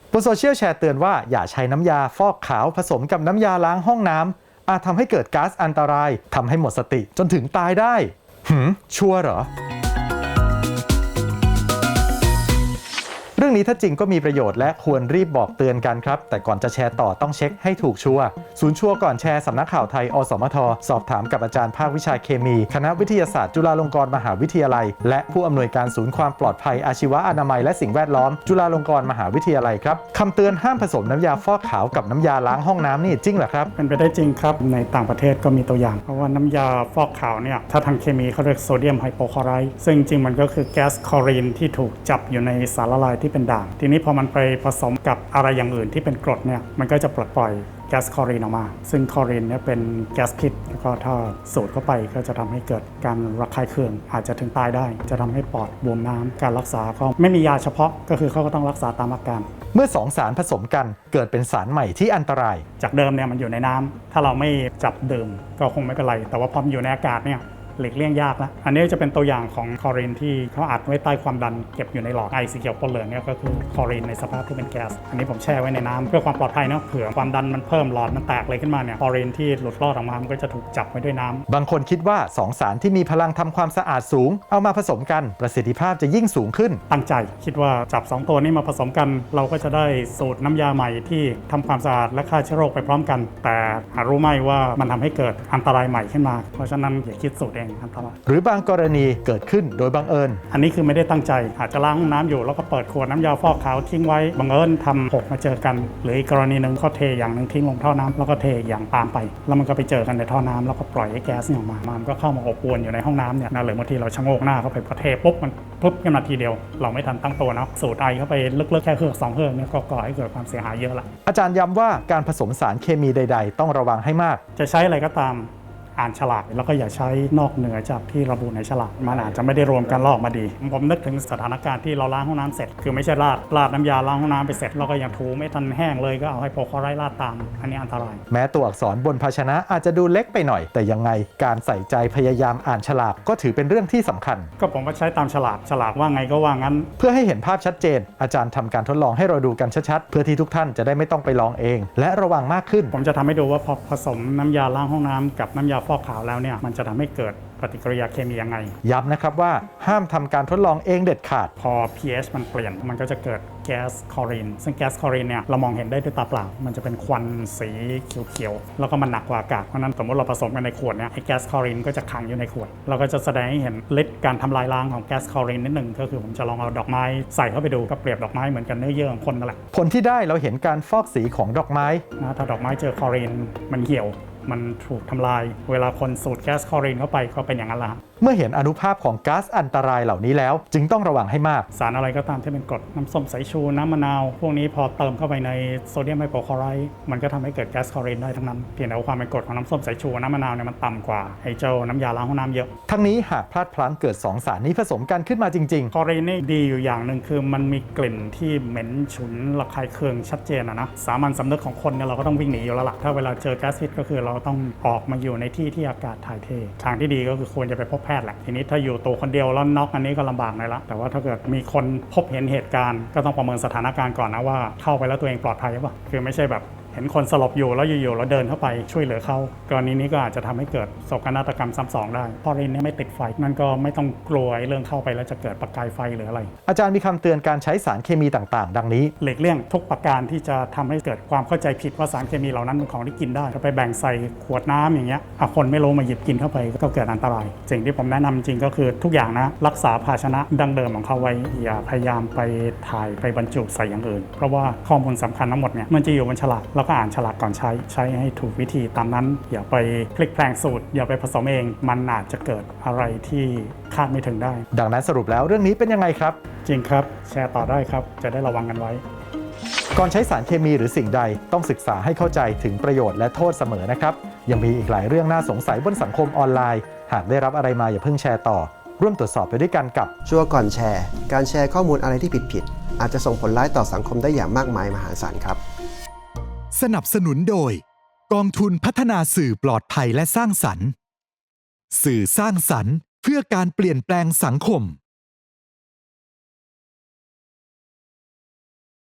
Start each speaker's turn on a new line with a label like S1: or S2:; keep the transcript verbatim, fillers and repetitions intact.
S1: บนโซเชียลแชร์เตือนว่าอย่าใช้น้ำยาฟอกขาวผสมกับน้ำยาล้างห้องน้ำอาจทำให้เกิดก๊าซอันตรายทำให้หมดสติจนถึงตายได้หืมชัวร์เหรอเรื่องนี้ถ้าจริงก็มีประโยชน์และควรรีบบอกเตือนกันครับแต่ก่อนจะแชร์ต่อต้องเช็คให้ถูกชัวร์ศูนย์ชัวร์ก่อนแชร์สำนักข่าวไทยอสมทสอบถามกับอาจารย์ภาควิชาเคมีคณะวิทยาศาสตร์จุฬาลงกรณ์มหาวิทยาลัยและผู้อำนวยการศูนย์ความปลอดภัยอาชีวะอนามัยและสิ่งแวดล้อมจุฬาลงกรณ์มหาวิทยาลัยครับคำเตือนห้ามผสมน้ำยาฟอกขาวกับน้ำยาล้างห้องน้ำนี่จริงเหรอครับ
S2: เป็นไปได้จริงครับในต่างประเทศก็มีตัวอย่างเพราะว่าน้ำยาฟอกขาวเนี่ยถ้าทางเคมีเขาเรียกโซเดียมไฮโปคลอไรด์ซึ่งจริงมันก็คือแก๊สคลอรีนที่ถูกจับอยู่ในสารละลายที่เป็นด่างทีนี้พอมันไปผสมกับอะไรอย่างอื่นที่เป็นกรดเนี่ยมันก็จะปลดปล่อยแก๊สคลอรีนออกมาซึ่งคลอรีนเนี่ยเป็นแก๊สพิษแล้วก็ถ้าสูดเข้าไปก็จะทำให้เกิดการระคายเคืองอาจจะถึงตายได้จะทำให้ปอดบวมน้ำการรักษาก็ไม่มียาเฉพาะก็คือเขาก็ต้องรักษาตามอาการ
S1: เมื่อสองสารผสมกันเกิดเป็นสารใหม่ที่อันตราย
S2: จากเดิมเนี่ยมันอยู่ในน้ำถ้าเราไม่จับดื่มก็คงไม่เป็นไรแต่ว่าพอมันอยู่ในอากาศเนี่ยหลีกเลี่ยงยากนะอันนี้จะเป็นตัวอย่างของคลอรีนที่เขาอัดไว้ใต้ความดันเก็บอยู่ในหลอดไอสีเขียวปนเหลืองเนี่ยก็คือคลอรีนในสภาพที่เป็นแก๊สอันนี้ผมแช่ไว้ในน้ำเพื่อความปลอดภัยเนาะเผื่อความดันมันเพิ่มหลอดมันแตกเลยขึ้นมาเนี่ยคลอรีนที่หลุดรอดออกมามันก็จะถูกจับไว้ด้วยน้ำ
S1: บางคนคิดว่าสองสารที่มีพลังทำความสะอาดสูงเอามาผสมกันประสิทธิภาพจะยิ่งสูงขึ้น
S2: ตั้งใจคิดว่าจับสองตัวนี้มาผสมกันเราก็จะได้สูตรน้ำยาใหม่ที่ทำความสะอาดและฆ่าเชื้อโรคไปพร้อมกันแต่หารู้ไหมว่ามันทำให้เกิดอันตรายใหม่ขึ้นมาเพราะฉะนั้นอย่าคิดสูตรเองอันตราย
S1: หรือบางกรณีเกิดขึ้นโดยบังเอิญ
S2: อันนี้คือไม่ได้ตั้งใจอาจจะล้างห้องน้ำอยู่แล้วก็เปิดขวดน้ำยาฟอกขาวทิ้งไว้บังเอิญทำหกมาเจอกันหรืออีกกรณีหนึ่งเขาเทอย่างหนึ่งทิ้งลงท่อน้ำแล้วก็เทอย่างตามไปแล้วมันก็ไปเจอกันในท่อน้ำแล้วก็ปล่อยให้แก๊สออกมามันก็เข้ามาอบอวนอยู่ในห้องน้ำเนี่ยนะหรือบางทีเราชะโงกหน้าเข้าไปพอเทปุ๊บมันปุ๊บขึ้นมาทีเดียวเราไม่ทันตั้งตัวนะสูดไอเข้าไปลึกๆแค่เฮือกสองเฮือกเนี่ยก็ก่อให้เกิดความเสียหายเยอะละ
S1: อาจารย์ย้ำว่าการผสมสารเคมีใดๆต้องระวังให้มาก
S2: จะใช้อะไรก็ตามอ่านฉลากแล้วก็อย่าใช้นอกเหนือจากที่ระบุในฉลากมันอาจจะไม่ได้รวมกันลอกมาดีผมนึกถึงสถานการณ์ที่เราล้างห้องน้ำเสร็จคือไม่ใช่ราดราดน้ำยาล้างห้องน้ำไปเสร็จแล้วก็ยังถูไม่ทันแห้งเลยก็เอาให้โปรคลอไรด์ราดตามอันนี้อันตราย
S1: แม้ตัวอักษรบนภาชนะอาจจะดูเล็กไปหน่อยแต่ยังไงการใส่ใจพยายามอ่านฉลากก็ถือเป็นเรื่องที่สำคัญ
S2: ก็ผมก็ใช้ตามฉลากฉลากว่าไงก็ว่างั้น
S1: เพื่อให้เห็นภาพชัดเจนอาจารย์ทำการทดลองให้เราดูกันชัดๆเพื่อที่ทุกท่านจะได้ไม่ต้องไปลองเองและระวังมากขึ้น
S2: ผมจะทำให้ดูว่าพอผสมน้ำยาล้างห้องน้ำกับน้ำยาฟอกขาวแล้วเนี่ยมันจะทำให้เกิดปฏิกิริยาเคมียังไง
S1: ย้ำนะครับว่าห้ามทำการทดลองเองเด็ดขาด
S2: พอ pH มันเปลี่ยนมันก็จะเกิดแก๊สคลอรีนซึ่งแก๊สคลอรีนเนี่ยเรามองเห็นได้ด้วยตาเปล่ามันจะเป็นควันสีเขียวๆแล้วก็มันหนักกว่าอากาศเพราะนั้นสมมติเราผสมกันในขวดเนี่ยไอ้แก๊สคลอรีนก็จะขังอยู่ในขวดเราก็จะแสดงให้เห็นฤทธิ์การทำลายล้างของแก๊สคลอรีนนิดหนึ่งก็คือผมจะลองเอาดอกไม้ใส่เข้าไปดูก็เปรียบดอกไม้เหมือนกันเนื้อเยื่อของคนนั่นแหละ
S1: ผลที่ได้เราเห็นการฟอกสีของดอกไม้
S2: นะถ้าดอกไม้เจอคลอรีนมันเหี่ยวมันถูกทำลายเวลาคนสูดแก๊สคลอรีนเข้าไปก็เป็นอย่างนั้นละ
S1: เมื่อเห็นอนุภาพของก๊าซอันตรายเหล่านี้แล้วจึงต้องระวังให้มาก
S2: สารอะไรก็ตามที่เป็นกรดน้ำส้มสายชูน้ำมะนาวพวกนี้พอเติมเข้าไปในโซเดียมไฮโปคลอไรด์มันก็ทำให้เกิดแก๊สคลอรีนได้ทั้งนั้นเพียงแต่ว่าความเป็นกรดของน้ำส้มสายชูน้ำมะนาวเนี่ยมันต่ำกว่าไอ้เจ้าน้ำยาล้างห้องน้ำเยอะ
S1: ทั้งนี้หากพลาดพลั้งเกิดสองสารนี้ผสมกันขึ้นมาจริง
S2: ๆคลอรีนนี่ดีอยู่อย่างหนึ่งคือมันมีกลิ่นที่เหม็นฉุนระคายเคืองชัดเจนนะนะสามัญสำนึกของคนเนี่ยเราก็ต้องวิ่งหนีอยู่แล้วล่ะถ้าเวลาเจอแก๊สพิษก็คือเราต้องออกมาอยู่ในที่ที่อากาศถ่ายเททางที่ดีก็คือควรจะไปพบแพทย์แหละทีนี้ถ้าอยู่ตัวคนเดียวแล้วน็อกอันนี้ก็ลำบากหน่อยละแต่ว่าถ้าเกิดมีคนพบเห็นเหตุการณ์ก็ต้องประเมินสถานการณ์ก่อนนะว่าเข้าไปแล้วตัวเองปลอดภัยหรือเปล่าคือไม่ใช่แบบเห็นคนสลบอยู่แล้วอยู่ๆเราเดินเข้าไปช่วยเหลือเขากรณีนี้ก็อาจจะทำให้เกิดโศกนาฏกรรมซ้ำสองได้เพราะเรนนี้ไม่ติดไฟนั่นก็ไม่ต้องกลัวเรื่องเข้าไปแล้วจะเกิดประกายไฟหรืออะไร
S1: อาจารย์มีคำเตือนการใช้สารเคมีต่างๆดังนี้
S2: หลีกเลี่ยงทุกประการที่จะทำให้เกิดความเข้าใจผิดว่าสารเคมีเหล่านั้นเป็นของที่กินได้ถ้าไปแบ่งใส่ขวดน้ำอย่างเงี้ยคนไม่รู้มาหยิบกินเข้าไปก็เกิดอันตรายสิ่งที่ผมแนะนำจริงก็คือทุกอย่างนะรักษาภาชนะดั้งเดิมของเขาไว้อย่าพยายามไปถ่ายไปบรรจุใส่อย่างอื่นเพราะว่าข้อมูลสำคัญทั้งหมดเนี่ยมันจะอยู่บนฉลากแล้วก็อ่านฉลากก่อนใช้ใช้ให้ถูกวิธีตามนั้นอย่าไปพลิกแปลงสูตรอย่าไปผสมเองมันอาจจะเกิดอะไรที่คาดไม่ถึงได้
S1: ดังนั้นสรุปแล้วเรื่องนี้เป็นยังไงครับ
S2: จริงครับแชร์ต่อได้ครับจะได้ระวังกันไว้
S1: ก่อนใช้สารเคมีหรือสิ่งใดต้องศึกษาให้เข้าใจถึงประโยชน์และโทษเสมอนะครับยังมีอีกหลายเรื่องน่าสงสัยบนสังคมออนไลน์หากได้รับอะไรมาอย่าเพิ่งแชร์ต่อร่วมตรวจสอบไปด้วยกันกับ
S3: ชัวร์ก่อนแชร์การแชร์ข้อมูลอะไรที่ผิดๆอาจจะส่งผลร้ายต่อสังคมได้อย่างมากมายมหาศาลครับ
S4: สนับสนุนโดยกองทุนพัฒนาสื่อปลอดภัยและสร้างสรรค์สื่อสร้างสรรค์เพื่อการเปลี่ยนแปลงสังคม